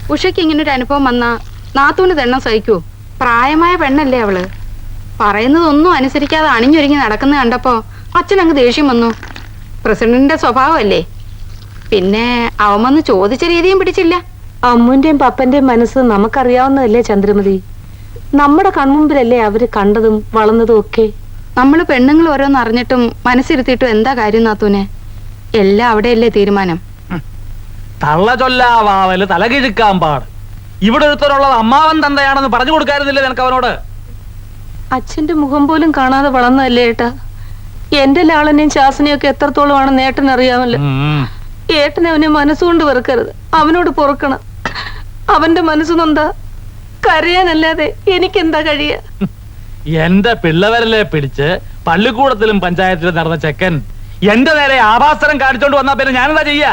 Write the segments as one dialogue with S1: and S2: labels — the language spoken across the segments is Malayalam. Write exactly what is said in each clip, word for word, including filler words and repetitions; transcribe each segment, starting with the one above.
S1: ഉഷയ്ക്ക് ഇങ്ങനൊരു അനുഭവം വന്നാ നാത്തൂന് തെണ്ണം സഹിക്കൂ? പ്രായമായ പെണ്ണല്ലേ അവള്. പറയുന്നതൊന്നും അനുസരിക്കാതെ അണിഞ്ഞൊരുങ്ങി നടക്കുന്ന കണ്ടപ്പോ അച്ഛനങ്ങ് ദേഷ്യം വന്നു. പ്രസിഡന്റിന്റെ സ്വഭാവമല്ലേ. പിന്നെ അവൻ വന്ന് ചോദിച്ച രീതിയും പിടിച്ചില്ല.
S2: അമ്മുന്റെയും പപ്പന്റെയും മനസ്സ് നമുക്കറിയാവുന്നതല്ലേ ചന്ദ്രമതി. നമ്മുടെ കൺമുമ്പിലല്ലേ അവര് കണ്ടതും വളർന്നതും ഒക്കെ.
S1: നമ്മള് പെണ്ണുങ്ങൾ ഓരോന്ന് അറിഞ്ഞിട്ടും മനസ്സിരുത്തിയിട്ടും എന്താ കാര്യം നാത്തൂനെ? എല്ലാം അവിടെയല്ലേ തീരുമാനം.
S3: തള്ള ചൊല്ലാവാവല് തലകിഴുക്കാൻ പാട്. ഇവിടെ ഒരുത്തരുള്ളത് അമ്മാവൻ തന്തയാണെന്ന് പറഞ്ഞു കൊടുക്കാറുന്നില്ലേ നിനക്ക് അവനോട്?
S2: അച്ഛന്റെ മുഖം പോലും കാണാതെ വളർന്നതല്ലേ ഏട്ടാ. എന്റെ ലാളനെയും ശാസനയും ഒക്കെ എത്രത്തോളമാണ് നേട്ടൻ അറിയാമല്ലോ. ഏട്ടനെ അവനെ മനസ്സുകൊണ്ട് വെറുക്കരുത്. അവനോട് പൊറുക്കണം. അവന്റെ മനസ്സുനൊന്താ കരയാനല്ലാതെ എനിക്കെന്താ കഴിയ?
S3: എന്റെ പിള്ളവരലെ പിടിച്ച് പള്ളിക്കൂടത്തിലും പഞ്ചായത്തിലും നടന്ന ചെക്കൻ എന്റെ നേരെ ആഭാസനം കാണിച്ചോണ്ട് വന്നാ പിന്നെ ഞാനെന്താ ചെയ്യാ?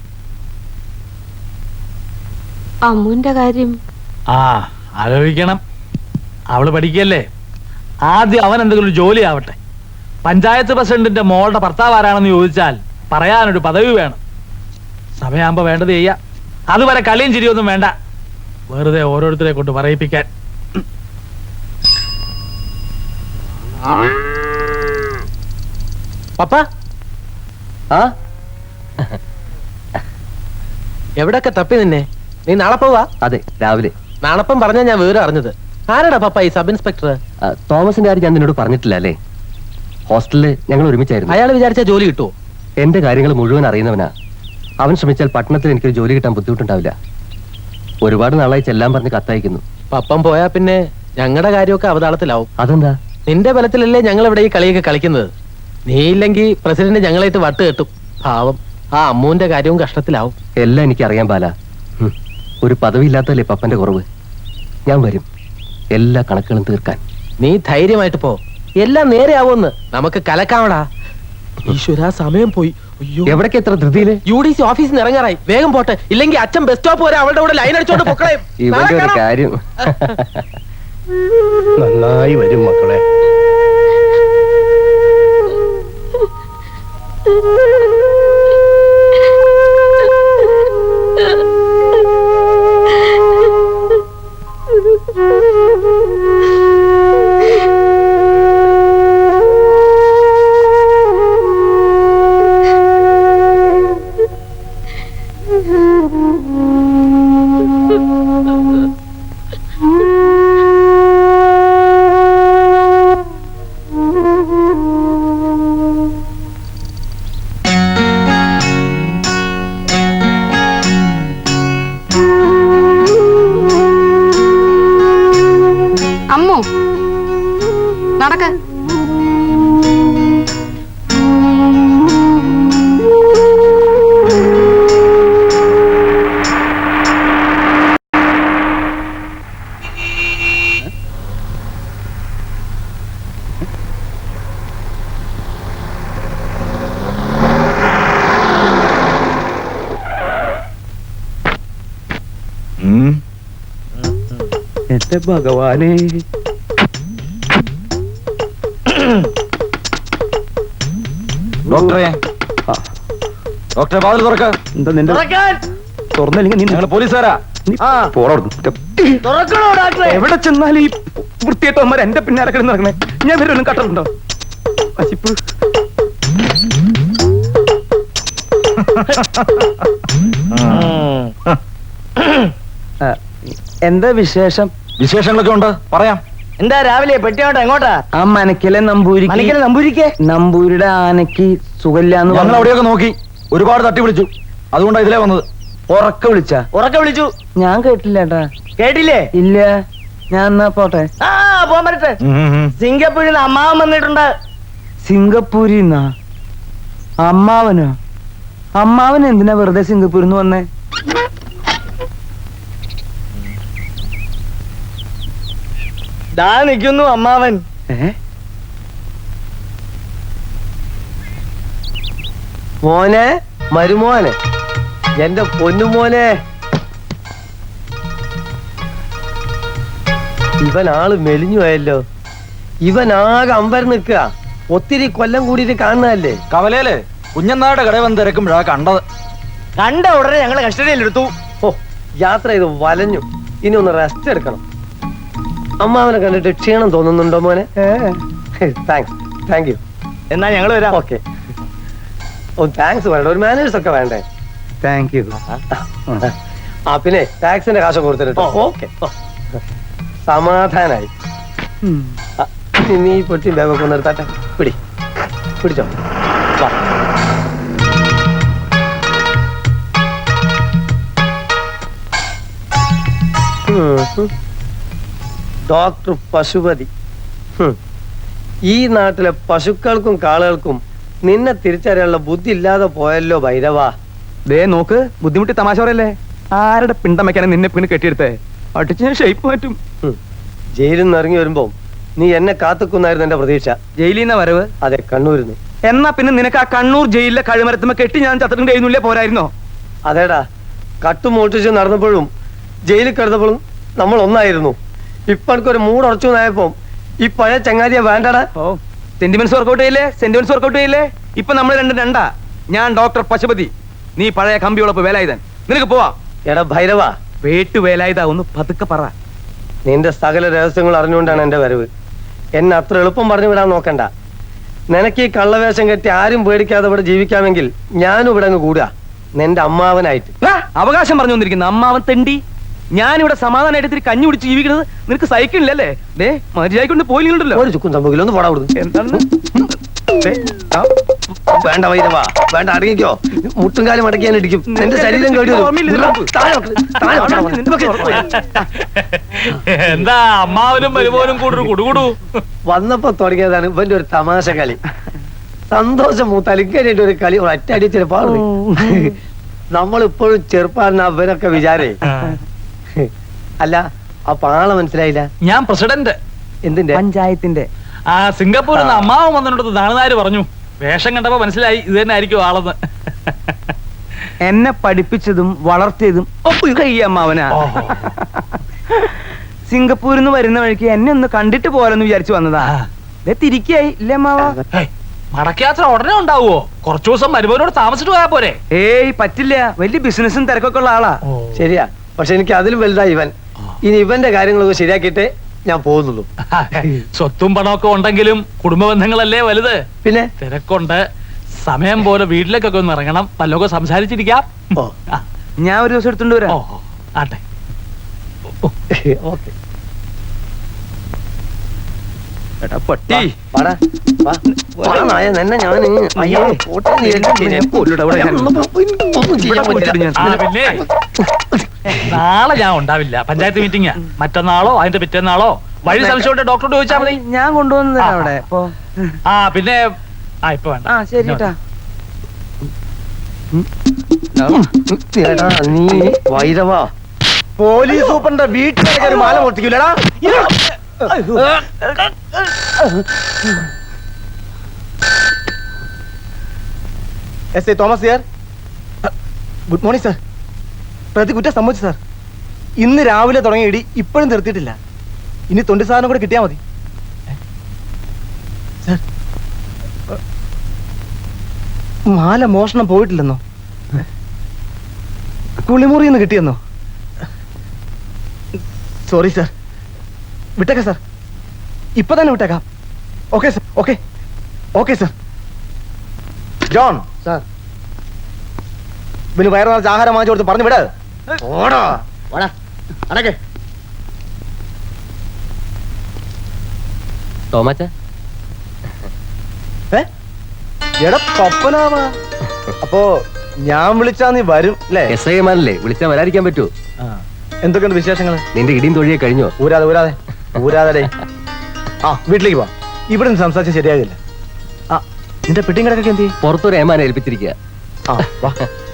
S2: അമ്മുന്റെ കാര്യം
S3: ആ ആലോചിക്കണം. അവള് പഠിക്കല്ലേ. ആദ്യം അവൻ എന്തെങ്കിലും ഒരു ജോലി ആവട്ടെ. പഞ്ചായത്ത് പ്രസിഡന്റിന്റെ മോളുടെ ഭർത്താവ് ആരാണെന്ന് ചോദിച്ചാൽ പറയാനൊരു പദവി വേണം. സമയമാകുമ്പോ വേണ്ടത് ചെയ്യാം. അതുവരെ കളിയും ചിരിയൊന്നും വേണ്ട. വെറുതെ ഓരോരുത്തരെ കൊണ്ട് പറയിപ്പിക്കാൻ.
S4: പപ്പ ആ എവിടൊക്കെ തപ്പി നിന്നെ? നീ നാളെ പോവാ?
S5: അതെ, രാവിലെ.
S4: നാളെപ്പം പറഞ്ഞാ ഞാൻ വേറെ അറിഞ്ഞത്. ആരാടാ പപ്പ ഈ സബ് ഇൻസ്പെക്ടർ?
S5: തോമസിന്റെ കാര്യം ഞാൻ നിന്നോട് പറഞ്ഞിട്ടില്ല അല്ലേ? ഹോസ്റ്റലില് ഞങ്ങൾ ഒരുമിച്ചായിരുന്നു.
S4: അയാൾ വിചാരിച്ച ജോലി കിട്ടുമോ?
S5: എന്റെ കാര്യങ്ങൾ മുഴുവൻ അറിയുന്നവനാ. അവൻ ശ്രമിച്ചാൽ പട്ടണത്തിൽ എനിക്കൊരു ജോലി കിട്ടാൻ ബുദ്ധിമുട്ടുണ്ടാവില്ല. ഒരുപാട് നാളായി ചെല്ലാൻ പറഞ്ഞ് കത്തയക്കുന്നു.
S4: പപ്പം പോയാ പിന്നെ ഞങ്ങളുടെ കാര്യമൊക്കെ അവതാളത്തിലാവും.
S5: അതെന്താ?
S4: നിന്റെ ബലത്തിലല്ലേ ഞങ്ങൾ ഇവിടെ ഈ കളിയൊക്കെ കളിക്കുന്നത്. നീ ഇല്ലെങ്കിൽ പ്രസിഡന്റ് ഞങ്ങളായിട്ട് വട്ട് കെട്ടും. പാവം ആ അമ്മുവിന്റെ കാര്യവും കഷ്ടത്തിലാവും.
S5: എല്ലാം എനിക്കറിയാൻ പാല. ഒരു പദവി ഇല്ലാത്തല്ലേ പപ്പന്റെ കുറവ്. ഞാൻ വരും എല്ലാ കണക്കുകളും തീർക്കാൻ.
S4: നീ ധൈര്യമായിട്ട് പോ. എല്ലാം നേരെ ആവുമെന്ന് നമുക്ക് കലക്കാവടാ. ഈശ്വര സമയം പോയി.
S5: എവിടേക്ക് എത്ര ധൃതിയില്?
S4: യു ഡി സി ഓഫീസിൽ നിന്ന് ഇറങ്ങാറായി. വേഗം പോട്ടെ, ഇല്ലെങ്കിൽ അച്ഛൻ ബസ് സ്റ്റോപ്പ് വരെ അവളുടെ കൂടെ ലൈൻ അടിച്ചോണ്ട് പൊക്കളയും.
S5: ഇവന്റെ ഒരു കാര്യം നന്നായി വരും മക്കളെ.
S1: അമ്മു നടക്ക.
S5: എന്റെ ഭഗവാനെ,
S3: ഡോക്ടറെ ഡോക്ടറെ വാതിൽ തുറക്ക.
S5: എന്താ നിന്റെ തുറന്നില്ലെങ്കിൽ നീ
S3: ഞങ്ങള് പോലീസുകാരാ.
S5: എവിടെ ചെന്നാലും ഈ വൃത്തിയായിട്ടവന്മാർ എന്റെ പിന്നാലെ കിടന്ന് നടക്കണേ. ഞാൻ വരും കട്ടറുണ്ടോ? പശിപ്പ്. എന്താ വിശേഷം?
S3: വിശേഷങ്ങളൊക്കെ ഉണ്ട്, പറയാം.
S4: എന്താ രാവിലെ പെട്ടിയോട്ടെ എങ്ങോട്ടാ?
S5: ആ മനക്കിലെ നമ്പൂരി
S4: നമ്പൂരിക്ക്
S5: നമ്പൂരിയുടെ ആനക്ക് സുഖമില്ലാന്ന്
S3: ഞങ്ങൾ അവിടെയൊക്കെ നോക്കി, ഒരുപാട് തട്ടി വിളിച്ചു. അതുകൊണ്ടാ ഇതിലേ വന്നത്.
S5: ഉറക്ക വിളിച്ച?
S4: ഉറക്കെ വിളിച്ചു.
S5: ഞാൻ കേട്ടില്ലേട്ടാ.
S4: കേട്ടില്ലേ?
S5: ഇല്ല. ഞാൻ എന്നാ പോട്ടെ.
S4: ആ പോകാൻ പറ്റട്ടെ. സിംഗപ്പൂരിൽ നിന്ന് അമ്മാവൻ വന്നിട്ടുണ്ട്.
S5: സിംഗപ്പൂരിന്നാ? അമ്മാവനോ? അമ്മാവൻ എന്തിനാ വെറുതെ സിംഗപ്പൂരിൽ നിന്ന് വന്നേ?
S4: ദാ നിൽക്കുന്നു അമ്മാവൻ.
S5: മോനെ, മരുമോനെ, എന്റെ പൊന്നുമോനെ. ഇവൻ ആള് മെലിഞ്ഞു പോയല്ലോ. ഇവൻ ആകെ അമ്പരം നിൽക്കുക. ഒത്തിരി കൊല്ലം കൂടിയിട്ട് കാണുന്നതല്ലേ.
S3: കവലയില് കുഞ്ഞനായുടെ കടയിൽ വന്ന് തിരക്കുമ്പോഴാ കണ്ടത്.
S4: കണ്ട ഉടനെ ഞങ്ങള് കസ്റ്റഡിയിലെടുത്തു.
S5: ഓ,
S6: യാത്ര ചെയ്ത് വലഞ്ഞു. ഇനി ഒന്ന് റെസ്റ്റ് എടുക്കണം. അമ്മാവനെ കണ്ടിട്ട് ക്ഷീണം തോന്നുന്നുണ്ടോ മോനെ? Thanks, thank you.
S7: എന്നാ ഞങ്ങൾ വരാം.
S6: ഓക്കെ. ഓ താങ്ക്സ് വേണ്ട, ഒരു മാനേഴ്സ് ഒക്കെ വേണ്ടേ?
S7: Thank you.
S6: ആ പിന്നെ ടാക്സിന്റെ കാശ് കൊടുത്തിട്ടോ. ഓക്കെ, സമാധാനായി. ആ, ഇനി നീ പൊട്ടി ബാഗൊക്കെ നിർത്താട്ടെ. പിടി പിടിച്ചോ. വാ. ഉം, ഉം. ഡോക്ടർ പശുപതി. ഹും. ഈ നാട്ടിലെ പശുക്കൾക്കും കാളുകൾക്കും നിന്നെ തിരിച്ചറിയാനുള്ള ബുദ്ധി ഇല്ലാതെ പോയല്ലോ ഭൈരവാ.
S7: ദേ നോക്ക്, ബുദ്ധിമുട്ടി തമാശ പറയല്ലേ. ആരുടെ പിണ്ടം വെക്കാനെ നിന്നെ പിന്നെ കെട്ടിയെടുത്തേ? അടിച്ച് ഞാൻ ഷേപ്പ് മാറ്റും.
S6: ഹും. ജയിലിൽ നിന്ന് ഇറങ്ങി വരുമ്പോ നീ എന്നെ കാത്തുക്കുന്നായിരുന്നു എന്റെ പ്രതീക്ഷ.
S7: ജയിലിൽ നിന്ന വരവ്?
S6: അതെ, കണ്ണൂരിന്ന്.
S7: എന്നാ പിന്നെ നിനക്ക് ആ കണ്ണൂർ ജയിലിലെ കഴിമരത്തുമ്പോ കെട്ടി ഞാൻ ചത്തിട്ടുണ്ട് എഴുന്നില്ലേ പോരായിരുന്നോ?
S6: അതേടാ, കട്ടുമോട്ടിച്ച് നടന്നപ്പോഴും ജയിലിൽ കിടന്നപ്പോഴും നമ്മൾ ഒന്നായിരുന്നു. ഇപ്പൊ എനിക്കൊരു മൂടുറച്ചു നായപ്പോ ഈ പഴയ ചങ്ങാതിയെ വേണ്ടടാ.
S7: ഓ, സെന്റിമെന്റ്സ് വർക്കൗട്ട് ചെയ്യില്ലേ? സെന്റിമെന്റ്സ് വർക്കൗട്ട് ചെയ്യില്ലേ? ഇപ്പൊ നമ്മൾ രണ്ടും രണ്ടാ. ഞാൻ ഡോക്ടർ പശുപതി, നീ പഴയ കമ്പിയോളപ്പ് വേലായുധൻ. നിനക്ക് പോവാ.
S6: എടാ ഭൈരവ,
S7: വേട്ടു വേലായുധ, ഒന്ന് പതുക്കെ പറ.
S6: നിന്റെ സകല രഹസ്യങ്ങൾ അറിഞ്ഞുകൊണ്ടാണ് എന്റെ വരവ്. എന്നെ അത്ര എളുപ്പം പറഞ്ഞു വിടാൻ നോക്കണ്ട. നിനക്ക് ഈ കള്ളവേഷം കെട്ടി ആരും പേടിക്കാതെ ഇവിടെ ജീവിക്കാമെങ്കിൽ ഞാനും ഇവിടെ അങ്ങ് കൂടുക, നിന്റെ അമ്മാവനായിട്ട്.
S7: ആ, അവകാശം പറഞ്ഞു വന്നിരിക്കുന്നു അമ്മാവൻ തെണ്ടി. ഞാനിവിടെ സമാധാനമായിട്ട് ഇത്തിരി കഞ്ഞി കുടിച്ച് ജീവിക്കുന്നത് നിനക്ക് സഹിക്കണില്ലല്ലേ? ഡേ മര്യാദക്കൊണ്ട് പോയില്ലല്ലോ.
S6: ഒരു ചുക്കും സംഭവിക്കില്ല, ഒന്ന് പോടാ കൊടുത്തു.
S7: എന്താണ്? ദേ, ആ,
S6: വേണ്ട വൈരവാ, വേണ്ട, അടങ്ങിക്കോ. മുട്ടുംകാലം അടക്കിയാൻ ഇടിക്കും, നിന്റെ ശരീരം കേടി വരും. താഴെ വെക്ക്, താഴെ വെക്ക്.
S3: എന്താ അമ്മാവനും മരുമോനും കൂടൊരു കുടുകുടു?
S6: വന്നപ്പോ തുടങ്ങിയതാണ് ഇവന്റെ ഒരു തമാശ കളി. സന്തോഷം മൂത്തലിക്കാനായിട്ട് ഒരു കളി ഒറ്റയടിച്ചിട്ട് പാടും. നമ്മളിപ്പോഴും ചെറുപ്പാണ് അവരൊക്കെ വിചാരേ. അല്ല, ആ പാള മനസ്സിലായില്ല.
S3: ഞാൻ പ്രസിഡന്റ്.
S6: എന്തിന്റെ?
S7: പഞ്ചായത്തിന്റെ.
S3: ആ സിംഗപ്പൂരിൽ നിന്ന് അമ്മാവൻ വന്നിട്ട് നാളുനാര് പറഞ്ഞു. വേഷം കണ്ടപ്പോ മനസ്സിലായി ഇത് തന്നെ ആയിരിക്കും ആളെന്ന്.
S7: എന്നെ പഠിപ്പിച്ചതും വളർത്തിയതും ഒക്കെ ഈ അമ്മാവനാ. സിംഗപ്പൂരിൽ നിന്ന് വരുന്ന വഴിക്ക് എന്നെ ഒന്ന് കണ്ടിട്ട് പോരെന്ന് വിചാരിച്ചു വന്നതാ. തിരിക്കായി ഇല്ലേ അമ്മാവ?
S3: മടക്കയാത്ര ഉടനെ ഉണ്ടാവുമോ? കുറച്ചു ദിവസം മരുമോനോട് താമസിച്ചിട്ട് പോയാ പോരെ?
S7: ഏയ് പറ്റില്ല, വലിയ ബിസിനസ്സും തിരക്കൊക്കെ ഉള്ള ആളാ.
S6: ശരിയാ, പക്ഷെ എനിക്ക് അതിലും വലുതായി ഇവൻ. ഇനി ഇവന്റെ കാര്യങ്ങളൊക്കെ ശരിയാക്കിയിട്ടേ ഞാൻ പോകുന്നുള്ളൂ.
S3: സ്വത്തും പണമൊക്കെ ഉണ്ടെങ്കിലും കുടുംബ ബന്ധങ്ങളല്ലേ വലുത്.
S6: പിന്നെ
S3: തിരക്കുണ്ട്. സമയം പോലെ വീട്ടിലേക്കൊക്കെ ഒന്ന് ഇറങ്ങണം, വല്ലതൊക്കെ സംസാരിച്ചിരിക്കാം.
S6: ഓ,
S7: ഞാൻ ഒരു ദിവസം എടുത്തോണ്ട് വരാം.
S3: ഓ ആട്ടെ.
S6: ഓക്കെ.
S7: എടാ പട്ടി,
S6: വാടാ, വാ. വാ നായ, നിന്നെ ഞാൻ അയ്യോ പോട്ടെ, നീ എന്നെ ഞാൻ കൊല്ലുടാ. ഇവിടെ ഞാൻ ഒന്നും ചെയ്യാൻ പറ്റില്ല.
S3: ആ, പിന്നെ നാളെ ഞാൻ ഉണ്ടാവില്ല. പഞ്ചായത്ത് മീറ്റിംഗ് മറ്റന്നാളോ അതിന്റെ പിറ്റേന്നാളോ. വഴി സംശയമുണ്ട് ഡോക്ടറോട് ചോദിച്ചാൽ മതി.
S7: ഞാൻ കൊണ്ടുവന്നത്
S3: ആ,
S7: അവിടെ. ഇപ്പൊ
S3: ആ പിന്നെ ആ ഇപ്പൊ വേണ്ട.
S7: ആ ശരി ട്ടാ.
S6: എടാ നീ വൈരവാ, പോലീസ് സൂപ്പറിന്റെ വീട്ടിലേക്ക് ഒരു മാല പൊട്ടിക്കൂലടാ.
S7: S I Thomas here. Good morning sir. പ്രതി കുറ്റം സമ്മതിച്ചു സാർ. ഇന്ന് രാവിലെ തുടങ്ങിയ ഇടി ഇപ്പോഴും നിർത്തിയിട്ടില്ല. ഇനി തൊണ്ടി സാധനം കൂടെ കിട്ടിയാൽ മതി സാർ. മാല മോഷണം പോയിട്ടില്ലെന്നോ? കുളിമുറിയിൽ നിന്ന് കിട്ടിയെന്നോ? സോറി സാർ, വിട്ടേക്കാം സാർ. ഇപ്പൊ തന്നെ വിട്ടേക്കാം. Okay sir, okay okay sir. John sir, പിന്നെ വയറു നിറച്ച് ആഹാരം വാങ്ങിച്ചു കൊടുത്ത് പറഞ്ഞു വിട്. ഓടാ ഓടാ അടക്കെ.
S5: തോമാച്ച
S7: എടാ പപ്പനാവാ. അപ്പോ ഞാൻ വിളിച്ചാ നീ വരും അല്ലേ?
S5: എസ് ഐ മാനല്ലേ, വിളിച്ചാൽ വരാതിരിക്കാൻ പറ്റുമോ?
S7: എന്തൊക്കെയുണ്ട് വിശേഷങ്ങൾ?
S5: നിന്റെ ഇടിയും തൊഴിയെ കഴിഞ്ഞോ?
S7: ഊരാതെ ഊരാതെ ഊരാതെ. ആ വീട്ടിലേക്ക് പോവാ. ഇവിടെ നിന്ന് സംസാരിച്ച് ശരിയാകില്ല. ആ നിന്റെ പെട്ടിയും കിടക്കൊക്കെ എന്ത് ചെയ്യും?
S5: പുറത്തൊരു ഏമാനെ ഏൽപ്പിച്ചിരിക്കുക.
S7: ആ വാ.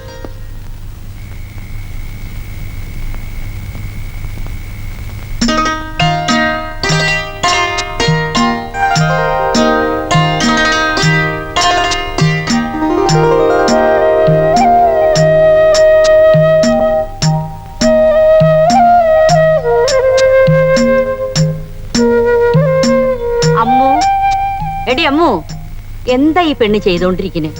S8: എടി അമ്മു, എന്താ ഈ പെണ്ണ് ചെയ്തോണ്ടിരിക്കുന്നത്?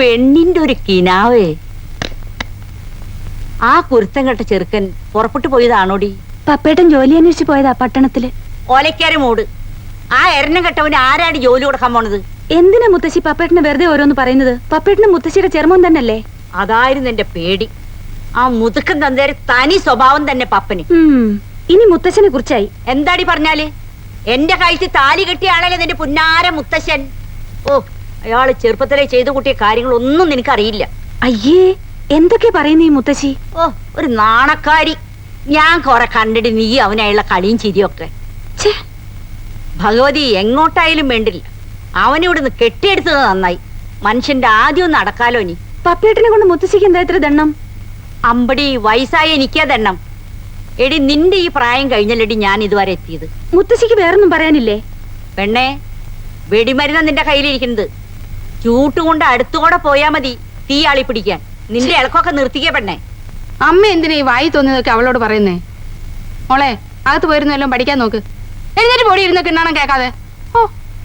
S8: പെണ്ണിന്റെ ഒരു കിനാവേ. ആ കുരുത്തം കെട്ട ചെറുക്കൻ പുറപ്പെട്ടു പോയതാണോടി?
S2: പപ്പേട്ടൻ ജോലി അന്വേഷിച്ച് പോയതാ പട്ടണത്തില്.
S8: ഓലക്കാരി മൂട്. ആ എരണം കെട്ടവന് ആരാടി ജോലി കൊടുക്കാൻ പോണത്?
S2: എന്തിനാ മുത്തശ്ശി പപ്പേട്ടന് വെറുതെ ഓരോന്ന് പറയുന്നത്? പപ്പേട്ടന് മുത്തശ്ശിയുടെ ചെറുമോൻ തന്നല്ലേ?
S8: അതായിരുന്നു എന്റെ പേടി. ആ മുതുക്കൻ തന്തേരെ തനി സ്വഭാവം തന്നെ പപ്പന്.
S2: ഇനി മുത്തശ്ശനെ കുറിച്ചായി
S8: എന്താടി പറഞ്ഞാല്? എന്റെ കഴുത്തിൽ താലി കെട്ടിയ ആളല്ലേ നിന്റെ പുന്നാര മുത്തശ്ശൻ. ഓ, അയാള് ചെറുപ്പത്തിലെ ചെയ്തു കൂട്ടിയ കാര്യങ്ങളൊന്നും നിനക്കറിയില്ല.
S2: അയ്യേ, എന്തൊക്കെ പറയുന്നു ഈ മുത്തശ്ശി?
S8: ഓ, ഒരു നാണക്കാരി. ഞാൻ കൊറേ കണ്ടിട്ട് നീ അവനായുള്ള കളിയും ചിരിയൊക്കെ. ഭഗവതി എങ്ങോട്ടായാലും വേണ്ടില്ല, അവനിവിടുന്ന് കെട്ടിയെടുത്തത് നന്നായി. മനുഷ്യന്റെ ആദ്യം ഒന്ന് അടക്കാലോ. നീ
S2: പപ്പേട്ടനെ കൊണ്ട് മുത്തശ്ശിക്ക് എന്താ ഇത്ര ദണ്ണം?
S8: അമ്പടി വയസ്സായ എനിക്കാ ദണ്ണം. എടി, നിന്റെ ഈ പ്രായം കഴിഞ്ഞല്ലടി ഞാൻ ഇതുവരെ എത്തിയത്.
S2: മുത്തശ്ശിക്ക് വേറൊന്നും പറയാനില്ലേ?
S8: പെണ്ണേ, വെടിമരുന്ന് നിന്റെ കയ്യിലിരിക്കുന്നത്. ചൂട്ടുകൊണ്ട് അടുത്തുകൂടെ പോയാ മതി തീ ആളി പിടിക്കാൻ. നിന്റെ ഇളക്കൊക്കെ നിർത്തിക്കേ പെണ്ണേ.
S1: അമ്മ എന്തിനാ ഈ വായി തോന്നിയതൊക്കെ അവളോട് പറയുന്നേ? മോളെ, അകത്ത് പോയിരുന്നു എല്ലാം പഠിക്കാൻ നോക്ക്. എഴുന്നേറ്റ് പൊടി ഇരുന്ന് കിണ്ണാണം കേൾക്കാതെ. ഓ,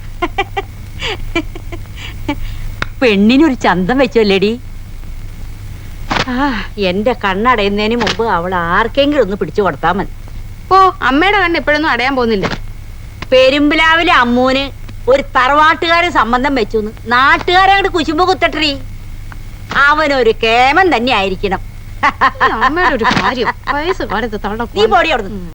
S8: പെണ്ണിനൊരു ചന്തം വെച്ചല്ലേടി. ആ, എന്റെ കണ്ണടയുന്നതിന് മുമ്പ് അവൾ ആർക്കെങ്കിലും ഒന്ന് പിടിച്ചു കൊടുത്താ മതി.
S1: ഓ, അമ്മയുടെ കണ്ണ് എപ്പോഴൊന്നും അടയാൻ പോകുന്നില്ല.
S8: പെരുമ്പിലാവിലെ അമ്മൂന് ഒരു തറവാട്ടുകാരൻ സംബന്ധം വെച്ചു. നാട്ടുകാരങ്ങോട്ട് കുശുമ്പ് കുത്തട്ടീ. അവനൊരു കേമൻ തന്നെ ആയിരിക്കണം.
S1: അമ്മയുടെ ഒരു കാര്യം വയസ്സ് കാലത്ത് തള്ള
S8: നീ പോടി അവിടുന്ന്.